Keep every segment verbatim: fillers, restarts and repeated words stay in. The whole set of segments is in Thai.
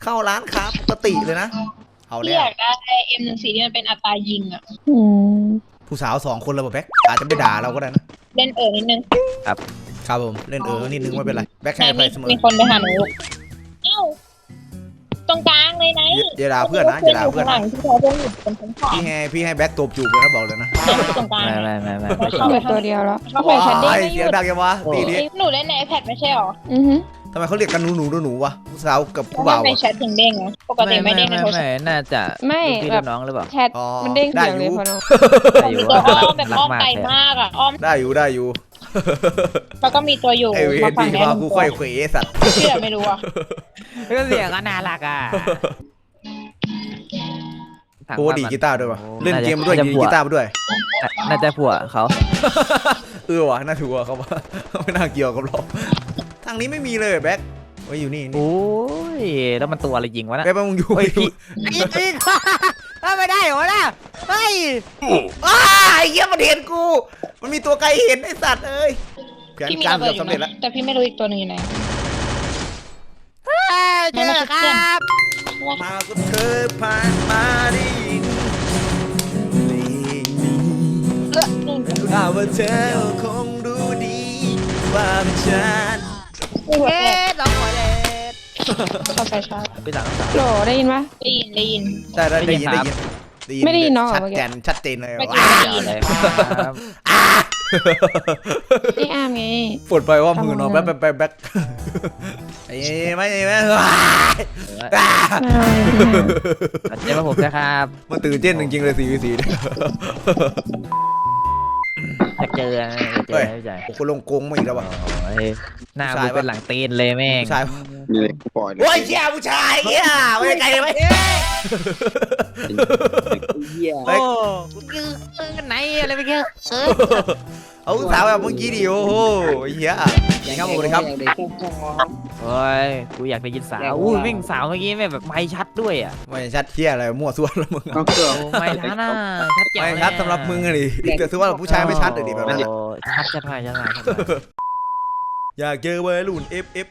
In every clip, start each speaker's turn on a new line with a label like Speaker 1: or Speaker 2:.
Speaker 1: เข้าร้านค้าปกติเลยนะเอาแล้
Speaker 2: พี่
Speaker 1: ว
Speaker 2: อยากได้เอ็มหนึ่งสี่ที่มันเป็นอัตรายิงอ่ะ
Speaker 3: อืม
Speaker 1: ผู้สาวสองคนเราแบบแบ็คอาจจะไม่ด่าเราก็ได้นะ
Speaker 2: เล่นเอ๋อนิดนึง
Speaker 1: ครับผมเล่นเออนิดนึงไม่เป็นไรแบ็ค
Speaker 2: ไหน
Speaker 1: ให้ไป
Speaker 2: มี
Speaker 1: เสมอ
Speaker 2: มีคนไปหาหนูเอ้าตรงกลางเลยไหน
Speaker 1: อย่าด่าเพื่อนนะอย่าด่าเพื่อน
Speaker 2: ข้างหลั
Speaker 1: นะ
Speaker 2: งที่เขาเดินอยู่เป็นชั้นสาม
Speaker 1: พี่ให้พี่ให้แบ็คตบจูบเลยนะบอกเลยนะ
Speaker 2: ตรงกลาง
Speaker 4: ไม่ไม่ไม่ไม่
Speaker 3: เหลือตัวเดียวแล้ว
Speaker 2: เข้าไปชั้นเด้ง
Speaker 1: ว้าย
Speaker 2: ไม่ห
Speaker 1: เสี
Speaker 2: ยุ
Speaker 1: ยง
Speaker 2: ด
Speaker 1: ดังยังวะตีนี้
Speaker 2: หนูเล่นใน iPad ไม่ใช่หรอ
Speaker 3: อือฮึ
Speaker 1: ทำไมเขาเรียกกันหนูหนูหนูหนูวะผู้สาวกับ
Speaker 2: เพ
Speaker 1: ผู้
Speaker 2: ราะมั
Speaker 1: บ่าน ว
Speaker 2: เป็น
Speaker 1: อะ
Speaker 2: แชทถึงเด้งนะปกติไม่เด้งในโทรศัพท์
Speaker 4: น่าจะ
Speaker 3: ไม่
Speaker 4: พี่
Speaker 3: แบบ
Speaker 4: น้องหรือเปล่า
Speaker 3: แชทมันเด้งเสียงเลยพอน้อง
Speaker 4: ได้อยู่
Speaker 2: ตัว
Speaker 4: ว่า
Speaker 2: อ้อมแบบอ้อมไกลมากอ่ะอ้อม
Speaker 1: ได้อยู่ได้อยู่
Speaker 2: แล้วก็มีตัวอยู่
Speaker 1: ไอเว
Speaker 2: มาน ฝั่ง
Speaker 1: ดี
Speaker 2: เนี้ย
Speaker 1: ว่ากูค่อยเขวสัตว์
Speaker 2: เชื่อไม่รู้อ่ะ
Speaker 4: ก็เสียงก็น่ารักอ่ะ
Speaker 1: โอ้ดีกีตาร์ด้วยวะเล่นเกมด้วยดีกีตาร์ด้วย
Speaker 4: น่าจะผัวเขา
Speaker 1: เออวะน่าถูกว่ะเขาว่าไม่น่าเกี่ยวกับเราทางนี้ไม่มีเลยแบ็คไว้อยู่นี่นี่
Speaker 4: โอ้ยแล้วมันตัวอะไรยิงวะนะ
Speaker 1: แบ็คมึงอยู่
Speaker 4: เฮ้ยพี่ยิงยิงไม่ได้เหรอนะเฮ้ย
Speaker 1: อ้าไอ้เหี้ยมันเห็นกู มันมีตัวไกลเห็นไอ้สัตว์เอ้ยแผน
Speaker 2: พี่มี
Speaker 1: การ
Speaker 2: ระเบิ
Speaker 1: เกื
Speaker 2: ด
Speaker 1: อบ
Speaker 2: อยู่
Speaker 1: สำเร็จแล้ว
Speaker 2: นะแต่พี่ไม่รู้อีกตัวหนึงอยู่ไหน
Speaker 4: เจอครับ
Speaker 1: มาก็เธอผ่านมาได้ยินเพลงนี้
Speaker 2: เออนู่น
Speaker 1: ถ้าว่าเธอคงรู้ดีว่าเป็นฉัน
Speaker 2: ไม่หัว
Speaker 4: เอ๊
Speaker 2: แตก
Speaker 4: ะสองหัวเลย
Speaker 2: เข้าไปชาร์จ
Speaker 4: ไปสั่งสาม
Speaker 3: โหลได้ยินปะ
Speaker 2: ได้ยินได้ยิน
Speaker 1: ได้ได้ได้ยิน
Speaker 4: ได้
Speaker 1: ได้
Speaker 4: ยิ
Speaker 1: ยิ
Speaker 4: น
Speaker 1: น
Speaker 3: ไม่ได้ยินเนอะ
Speaker 1: ชัด
Speaker 3: เมื่อกี้
Speaker 1: แจนชัดเจนเลย
Speaker 2: เมื่อกี้
Speaker 1: ว้า
Speaker 2: ได้ยิน
Speaker 4: เลยครับ
Speaker 3: ไอ้อามไง
Speaker 1: ปวดไปว่ามือนอนแป๊บแป๊บแป๊บแป๊บไอ้ไม่ไม่
Speaker 4: เจอมาผมนะครับ
Speaker 1: มันตื่นเต้นจริงๆเลยสี่วีสี่
Speaker 4: จะเจอจะเจอไม่ใช่
Speaker 1: กูลงกงมาอีกแล้ววะ
Speaker 4: โอ้ยหน้ากูเป็นหลังตีนเลยแม่ง
Speaker 1: ผู้ชาย
Speaker 5: นี่เลยกูปล่อยเลย
Speaker 1: โอ้ยเชี่ยผู้ชายเฮียไม่ได้ไกลเลยไหม
Speaker 5: เหี้ย
Speaker 4: โอ้กูคือกันไหนอะไรไปเงี้ยเออ
Speaker 1: เอาสาวแบบเมื่อกี้ดิโอ้โหเฮียครับผมเลยครับ
Speaker 4: โอ้ยกูอยากได้ยินสาวอุ้ยวิ่งสาวเมื่อกี้แม่แบบไม่ชัดด้วยอ่ะ
Speaker 1: ไม่ชัดเฮียอะไรมั่วส่วนแล้วมึง
Speaker 5: เอาเกือบ
Speaker 4: โอ้ไม่ชัดนะชัดแจ๋ว
Speaker 1: ไม่ชัดสำหรับมึงอะดิแต่ถือว่าผู้ชายไม่ชัดเลยดิแบบนั้น
Speaker 4: โอ้ชัดชัดมากชัดมากชัดมาก
Speaker 1: อยากเจอวัยรุ่น เอฟ เอฟ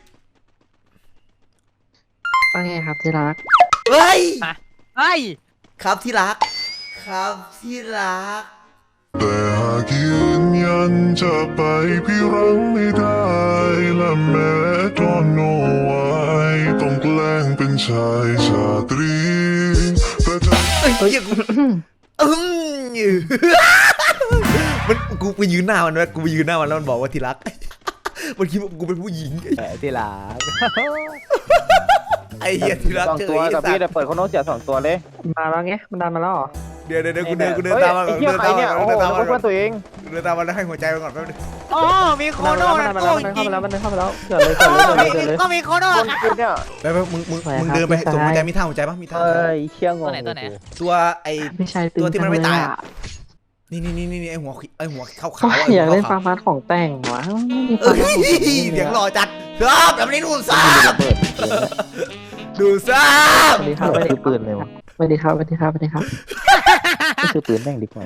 Speaker 6: ว่าไงครับที่รัก
Speaker 1: เฮ้ย
Speaker 4: เฮ้ย
Speaker 1: ครับที่รัก ครับที่รัก
Speaker 7: แต่หากยืนยันจะไปพี่รังไม่ได้และแม้ตอนโนไว้ต้องแกล้งเป็นชายชาตรีแต่จะ
Speaker 1: เฮ้ยเฮียกูอืมมันกูไปยืนหน้ามันไว้กูไปยืนหน้ามันแล้วมันบอกว่าที่รัก มันคิดว่ากูเป็นผู้หญิง
Speaker 4: ที่หลัง
Speaker 1: ไอ้เหี้ยที่รัก
Speaker 5: สอง
Speaker 1: เจอ
Speaker 5: ตัว
Speaker 1: ไอ้
Speaker 5: กับ
Speaker 1: สั
Speaker 5: พี่
Speaker 1: ตว์
Speaker 5: แต่เปิดคนโน้ตเสียสองตัวเลย
Speaker 6: มาแล้วไงมันดันมาแล้วเหรอ
Speaker 1: เดี๋ยวเดี๋ยวเดี๋ยวกูเดินกูเดินตามมัน
Speaker 5: ไอ้
Speaker 1: ก่อน
Speaker 5: เหี้ย
Speaker 1: เดิน
Speaker 5: ใคร
Speaker 1: ตามมัน
Speaker 5: เนี่ย
Speaker 1: ก่อน
Speaker 5: โอ้โห
Speaker 1: เดินตามมัน
Speaker 5: นึก
Speaker 1: ก่อ
Speaker 5: ว่าน ตัวเอง
Speaker 1: เดินตามมันแล้วให้หัวใจมันก่อนแป๊บนึง
Speaker 4: อ๋อมีโค
Speaker 6: มัน
Speaker 4: โน่
Speaker 6: ดัน
Speaker 4: นะ
Speaker 6: มา
Speaker 4: โอ้
Speaker 6: แล้ว
Speaker 4: ย
Speaker 6: มันเข้ามาแล้วมันเข้ามาแล้วเกิดเลยเกิดเลยเกิดเลยเกิดเลย
Speaker 4: ก็มีโคโน่
Speaker 5: คนกูเนี่ย
Speaker 1: ไปไปมึงมึงมึงเดินไปส่งหัวใจมีท่าหัวใจปะมีท่า
Speaker 5: เอ้ยเชี่ยงง
Speaker 4: ตัวไหนตัวไหน
Speaker 1: ตัวไอ้
Speaker 6: ไม่ใช่ตื่น
Speaker 1: ตัวที่มันไม่
Speaker 6: จัง
Speaker 1: ตาย
Speaker 6: เลย
Speaker 1: อะ
Speaker 6: อะ
Speaker 1: นี่นี่นี่นี่ไอ้หัวไอ้หัวขาว
Speaker 6: โอ้
Speaker 1: ขาว
Speaker 6: ยอยากเล่นฟาร์มัสของแต่งวะไม่มี
Speaker 1: เอ้
Speaker 6: ฟาร์มัสของแต่ง
Speaker 1: ยเสียงหล่อจัดครับแบบนี้ดูดซับ
Speaker 5: เปิด
Speaker 1: ดูดซับ
Speaker 6: สวัสดีครับสวัสดี
Speaker 5: คือปืนเลยวะ
Speaker 6: สวัสดีครับสวัสดีครับสวัสดีครับ
Speaker 5: คือปืนแม่งดีกว่า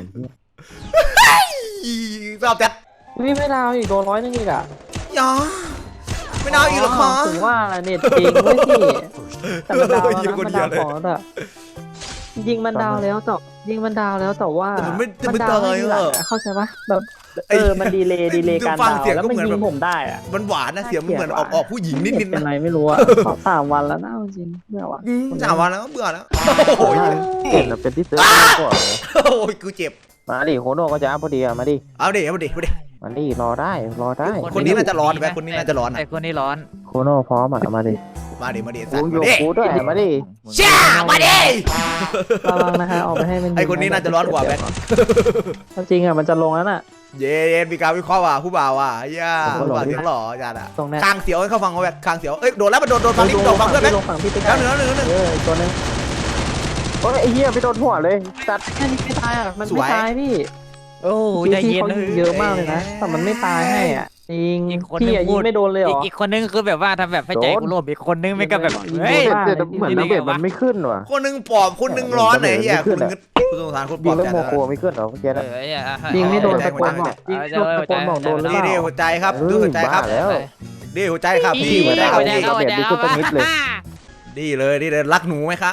Speaker 1: ชอบจัด
Speaker 6: วิไม่ดาวอีกโดนร้อยนึงอีกอ่ะ
Speaker 1: ยาไม่น่าอีกหรอคะ
Speaker 6: ถึงว่าอะไรเน็ตจริงเว้ยพี่แต่มันดาวแล้วนะมันดาวของแล้วอะยิงมันดาวแล้วแต่ยิงมันดาวแล้วแต่ว่า
Speaker 1: แต่มันไม่แต่
Speaker 6: มั
Speaker 1: ไม่
Speaker 6: ดา
Speaker 1: ตา
Speaker 6: วย ไม่มีหลัง
Speaker 1: อ่ะ
Speaker 6: อะเข้าใจปะแบบ
Speaker 1: ไอ้
Speaker 6: เออมันดีเลย์ดีเลย์การ
Speaker 1: ฟัง
Speaker 6: ดาว
Speaker 1: เสียง
Speaker 6: แล้ว
Speaker 1: ก็
Speaker 6: มัน
Speaker 1: เหมือน
Speaker 6: ยิ
Speaker 1: แบบ
Speaker 6: งผมได้อะ
Speaker 1: มันหวานนะเสียงมันเหมือนออกออกผู้หญิงนิดนิด
Speaker 6: เป็น
Speaker 1: นะ
Speaker 6: ไรไม่รู้อะขอสามวันแล้วนะเอาจริงเบื่อว่ะ
Speaker 1: อืมสามวันแล้วเบื่อแล้วโอ้ย
Speaker 5: เห็นแล้วเป็นที่เตือนก่อน
Speaker 1: โอ้ยกูเจ็บ
Speaker 5: มาดิโคโน่ก็จะพอดีอะมาดิ
Speaker 1: เอาดิเอาดิเอาดิ
Speaker 5: มาดิรอได้รอได้
Speaker 1: คนนี้น่าจะร้อนแม่คนนี้น่าจะร้อน
Speaker 4: ไอ้คนนี้ร้อน
Speaker 5: โคโน่พร้อมอ่ะมาดิ
Speaker 1: มาดิมาดิ
Speaker 5: กู
Speaker 1: สัตว์
Speaker 5: โย
Speaker 1: มาดิ
Speaker 5: กูด้วยมาดิ
Speaker 1: ช่ามาดิ
Speaker 6: ระวังนะฮะออกไปให้มันยิง
Speaker 1: ไอคนนี้น่าจะร้อนกว่าแบท
Speaker 6: จริงอะมันจะลงแล้วน่ะ
Speaker 1: เย้เย็นมีการวิเคราะห์ว่ะผู้บ่าวว่ะย่าผู้บ่าวเสียงหล่อจัดอ่ะ
Speaker 6: ตรงเนี้ย
Speaker 1: คางเสียวให้เขาฟังเขาแบบคางเสียวเอ้ยโดนแล้วมันโดนโดนฟังนี่โดนฟังเพื่อนแบท
Speaker 6: ลงฝั่งพี่ติ๊ก
Speaker 1: แล้วหนึ่งแล้วหนึ่งแล้วหนึ่ง
Speaker 6: เออตัวนึง
Speaker 5: โอ้ยไอ้เหี้ยไปโดนหัวเลยตัด
Speaker 6: แค่นี้ไม่ตายอ่ะมัน
Speaker 1: ส
Speaker 6: ไม่
Speaker 1: วย
Speaker 6: ตายพี่
Speaker 4: โอ้
Speaker 6: พี่
Speaker 4: ใจ
Speaker 6: พี่
Speaker 4: เย็น
Speaker 6: เขายิงเยอะมากเลยนะแต่มันไม่ตายให้อ่ะจริงพี่อะยิงไม่โดนเลยเหรอ
Speaker 4: อีกคนนึงคือแบบว่าทำแบบให้ใจกูโลภอีกคนนึงไม่ก็แบบ
Speaker 6: ยิง
Speaker 4: เฮ้ย
Speaker 6: โดน
Speaker 5: แต่เหมือนระเบิดมันไม่ขึ้นว่ะ
Speaker 1: คนหนึ่งปอบคนหนึ่งร้อนไหนเฮียคนหนึ่งกูสงสารคนป
Speaker 5: ยิ
Speaker 1: อง บ
Speaker 5: แล้ว
Speaker 1: จัด
Speaker 5: โมโคไม่ขึ้นเหรอเมื่อกี้
Speaker 4: เอ
Speaker 5: นะ
Speaker 4: อ
Speaker 6: ยิงไม่โดน
Speaker 1: ใจ
Speaker 6: ตะ
Speaker 1: หั
Speaker 6: โก
Speaker 1: วใจ
Speaker 6: นบอกยิงตะโกนบอกโดนหรือ
Speaker 1: นี่
Speaker 6: เป
Speaker 1: ดิ
Speaker 6: ล่า
Speaker 1: หัวใจครับดูหัวใจครับ
Speaker 5: บ้าแล้ว
Speaker 1: ดิหัวใจครับพี่
Speaker 4: หั
Speaker 1: หั
Speaker 4: ว
Speaker 1: ว
Speaker 4: ใจ
Speaker 1: ใจค
Speaker 4: เข้า
Speaker 1: รับ
Speaker 4: หัวใจเข้า
Speaker 5: เดี๋ยวดูตัวนิดเลย
Speaker 1: ดดีเลยดีเลยรักหนูไหมคะ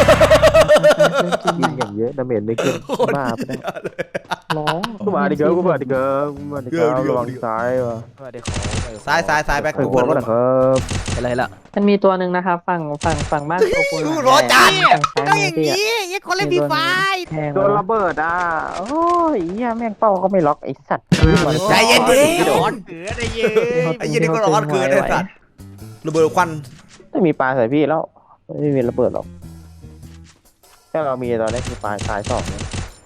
Speaker 5: ยิงอย่างเยอะดาเมจไม่ขึ้น
Speaker 1: โคตร
Speaker 5: บ้าไปได้
Speaker 1: เลย
Speaker 6: ร้อง
Speaker 5: กูมาดิเกิร์ลกูมาดิเกิร์ลกูมาดิเกิร์ลระวังซ้ายวะ
Speaker 4: เดี๋ยวขอ
Speaker 1: ซ้ายซ้ายซ้ายแบ็ค
Speaker 5: ไอ้
Speaker 1: ตัว
Speaker 5: พวก
Speaker 1: ร
Speaker 5: ก็
Speaker 1: ถ
Speaker 5: นะครับ
Speaker 4: อะไรละ
Speaker 6: มันมีตัวหนึ่งนะครับฝั่งฝั่งฝั่งบ้านโตคุณ
Speaker 1: รอจัด
Speaker 6: ฝั่งซ้ายมือพี่อะ
Speaker 4: ยังคนเล่นฟรีไฟ
Speaker 6: แทง
Speaker 5: โดนระเบิดอ่ะโอ้ยเหี้ยแม่งเป้าก็ไม่ล็อกไอ้สัตว์
Speaker 1: ใจเย็นดิ
Speaker 4: ร้อนเกือได้เย้ย
Speaker 1: ไอ้เหี้ยนี่ก็ร้อนเกินไอ้สัตว์ระเบิดควัน
Speaker 5: ไม่มีปลาใส่พี่แล้วไม่มีระเบิดหรอกถ้าเรามีตอนนี้คือปลาตายสองเนี่ย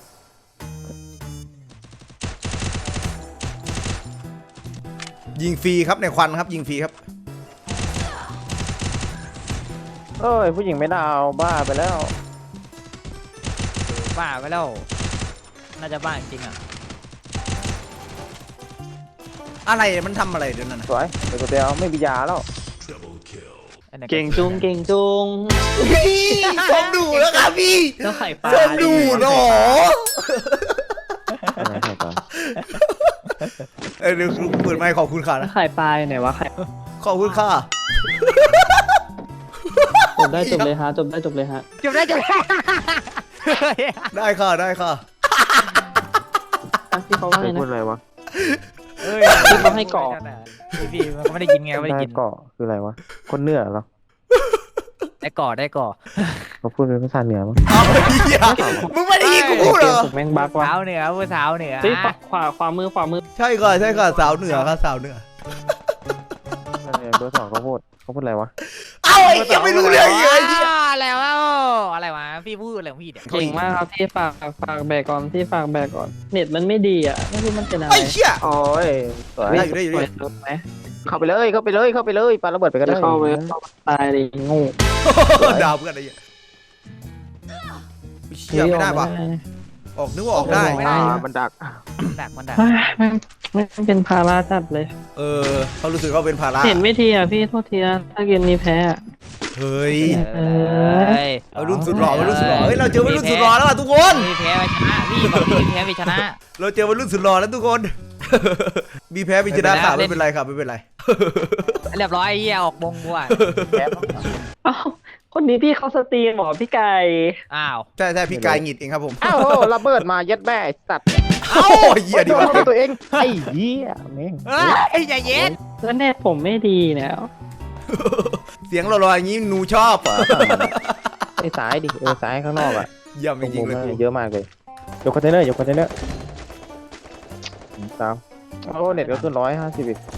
Speaker 1: ยิงฟรีครับในควันครับยิงฟรีครับ
Speaker 5: เอ้ยผู้หญิงไม่ดาวบ้าไปแล้ว
Speaker 4: บ้าไปแล้วน่าจะบ้าจริงอ่ะ
Speaker 1: อะไรมันทำอะไรเดี๋ยวนั้นน่ะ
Speaker 5: สวยเดี๋ยวกูเดียวไม่มียาแล้ว
Speaker 6: เก่งจุงเก่งจุง
Speaker 1: ชมดูแล้วครับพี่
Speaker 6: แล้วไข่ปลา
Speaker 1: ชมดูเนาะ
Speaker 5: อะไรครับตอน
Speaker 1: เอ้ยเดี๋ยวเปิดไมค์ขอบคุณค่ะ
Speaker 6: แล้
Speaker 1: นะ
Speaker 6: วไข่ปลาอยู่ไหนวะไข่
Speaker 1: ขอบคุณค่ะ
Speaker 6: จบได้จบเลยฮะจบได้จบเลยฮะ
Speaker 4: จบได้จบได้
Speaker 1: ได้ค่ะได้ค่ะ
Speaker 6: อ่ะพี่เขาว่าไง
Speaker 5: ไม่พูด
Speaker 6: นะ
Speaker 5: อะไรวะ
Speaker 4: เอ้ย
Speaker 6: พี่เขาให้เกาะ
Speaker 4: พี่มันก็ไม่ได้ยินไงไม่ได้
Speaker 5: ได้
Speaker 4: ยิน
Speaker 5: เกาะคืออะไรวะคนเหนือเหรอ
Speaker 4: ได้ก่อได้ก่อ
Speaker 5: เขาพูดเป็นภาษาเหนือมั้ง
Speaker 1: เอาเหี้ยมึงไม่ได้ยินกูพูดเหรอ
Speaker 6: ถูกแม่งบักว่ะ
Speaker 4: สาวเหนือผู้สาวเหนือ
Speaker 6: เฮ้ยขวาขวามือขวามือ
Speaker 1: ใช่ค่ะใช่ค่ะสาวเหนือค่ะสาวเหนือ
Speaker 5: เบอร์สองเขาพูดเขาพูดอะไรวะ
Speaker 1: เอาไอ้เหี้ยไม่รู้เรื่องเลยไอ้เหี้ย
Speaker 4: อะไรวะอะไรวะพี่พูดอะไรของพี่เนี่ย
Speaker 6: เก่งมากครับพี่ฝากฝากแบกก่อนพี่ฝากแบกก่อนเน็ตมันไม่ดีอ่ะไม่รู้มันเป็นอะไร
Speaker 1: ไอ้เหี้ย
Speaker 5: โอ้ยสวย
Speaker 1: ได้อยู่ได้อยู่ได้อยู่
Speaker 6: รถไหม
Speaker 5: เข้าไปเลยเข้าไปเลยเข้าไปเลยปาระเบิดไปก็ได้
Speaker 6: เข้าไปตายเลยโง่
Speaker 1: ดาวเพื่อนไอ้เหี้ยเชี่ยไม่ได้ปะออกนึกว่าออกได้
Speaker 5: อ่ามันดัก
Speaker 4: ดักมันดัก
Speaker 6: เฮ้ยมันมันเป็นภาระจัดเลย
Speaker 1: เออเขารู้สึกเขาเป็นภาระ
Speaker 6: เห็นไม่ทีอ่ะพี่โทษทีนะถ้าเกมนี้แพ้อะ
Speaker 1: เฮ้ย
Speaker 6: เอ
Speaker 1: เอารุ่นสุดหล่อมารุ่นสุดหล่อเฮ้ยเราเจอวัยรุ่นสุดหล่อแล้วว่ะทุกคน
Speaker 4: มีแพ้ไปชนะพี่บอกมีแพ้ไปชนะ
Speaker 1: เราเจอวัยรุ่นสุดหล่อแล้วทุกคน มีแพ้มีชนะค่ะไม่เป็นไรครับไม่เป็นไร
Speaker 4: เรียบร้อยไอ้เหี้ยออกบงบัว
Speaker 6: เอ้าคนนี้พี่เขาสตรีมเหรอพี่ไก่
Speaker 4: อ้าว
Speaker 1: ใช่ใช่พี่กายหงิดเองครับผม
Speaker 5: อ้าวระเบิดมายัดแม่ไอ้สัตว์
Speaker 1: เอ้าเหี้ยดี
Speaker 5: โด
Speaker 1: ว่ะ
Speaker 5: นตัวเองไอ้เหี้ยแม่ง
Speaker 4: เอ้ยใจเย็น
Speaker 6: แล้วเน็ตผมไม่ดีแล้ว
Speaker 1: เสียงหล่อๆอย่างนี้หนูชอบเหรอ
Speaker 5: ไอ้ซ้ายดิเออซ้ายข้างนอกอ่ะ
Speaker 1: เยี่ยมจริงๆเลยกู
Speaker 5: เยอะมากเลยยกคอนเทนเนอร์ยกคอนเทนเนอร์ตามโอ้เน็ตก็ขึ้นร้อยห้าสิบอีก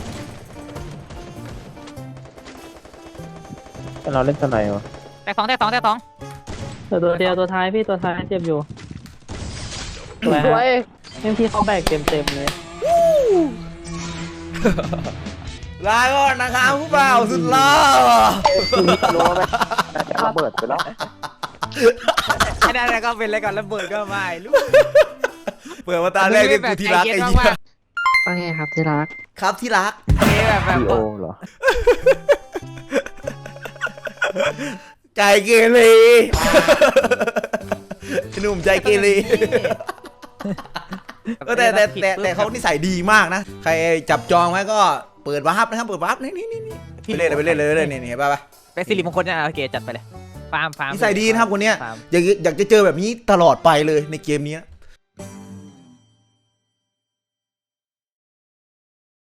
Speaker 5: เราเล่นตัวไหนวะ
Speaker 4: แตกสองแตกสองแตกสอง
Speaker 6: ตัวตัวเดียวตัวท้ายพี่ตัวท้ายเจ็บอยู่สวย
Speaker 5: สว
Speaker 6: ฮะ
Speaker 5: ย
Speaker 6: เมื่อพี่เขาแบกเต็มเต็มๆเลย
Speaker 1: ลาก่อนนะครับผู้บ่าวสุดหล่อ
Speaker 5: รู้ไหมน่าจะระเบิดไปแล้ว
Speaker 4: ไอ้นั่นก็เป็นอะไรก่อนระเบิดก็ไม่รู้
Speaker 1: เปิดมาตาแรกเรียกกูที่รักไอ้เหี้ย
Speaker 6: ว่าไงครับที่รัก
Speaker 1: ครับที่รัก
Speaker 4: แบบแบบ
Speaker 5: ดีโอเหรอ
Speaker 1: ใจเกเรหนุ่มใจเกเรเออแต่แต่แต่แต่เขานิสัยดีมากนะ ใครจับจองไว้ก็เปิดวาร์ปนะครับเปิดวาร์ปนี่นี่นี่นี่ไปเล่นเลยไปเล่นเลยไปเล่นนี่เห็นป่ะ
Speaker 4: เป็นสิริมงคลนะโอเคจัดไปเลยฟาร์มฟาร์ม
Speaker 1: นิสัยดีนะครับคนเนี้ย
Speaker 4: ฟาร์ม
Speaker 1: อยากอยากจะเจอแบบนี้ตลอดไปเลยในเกมนี้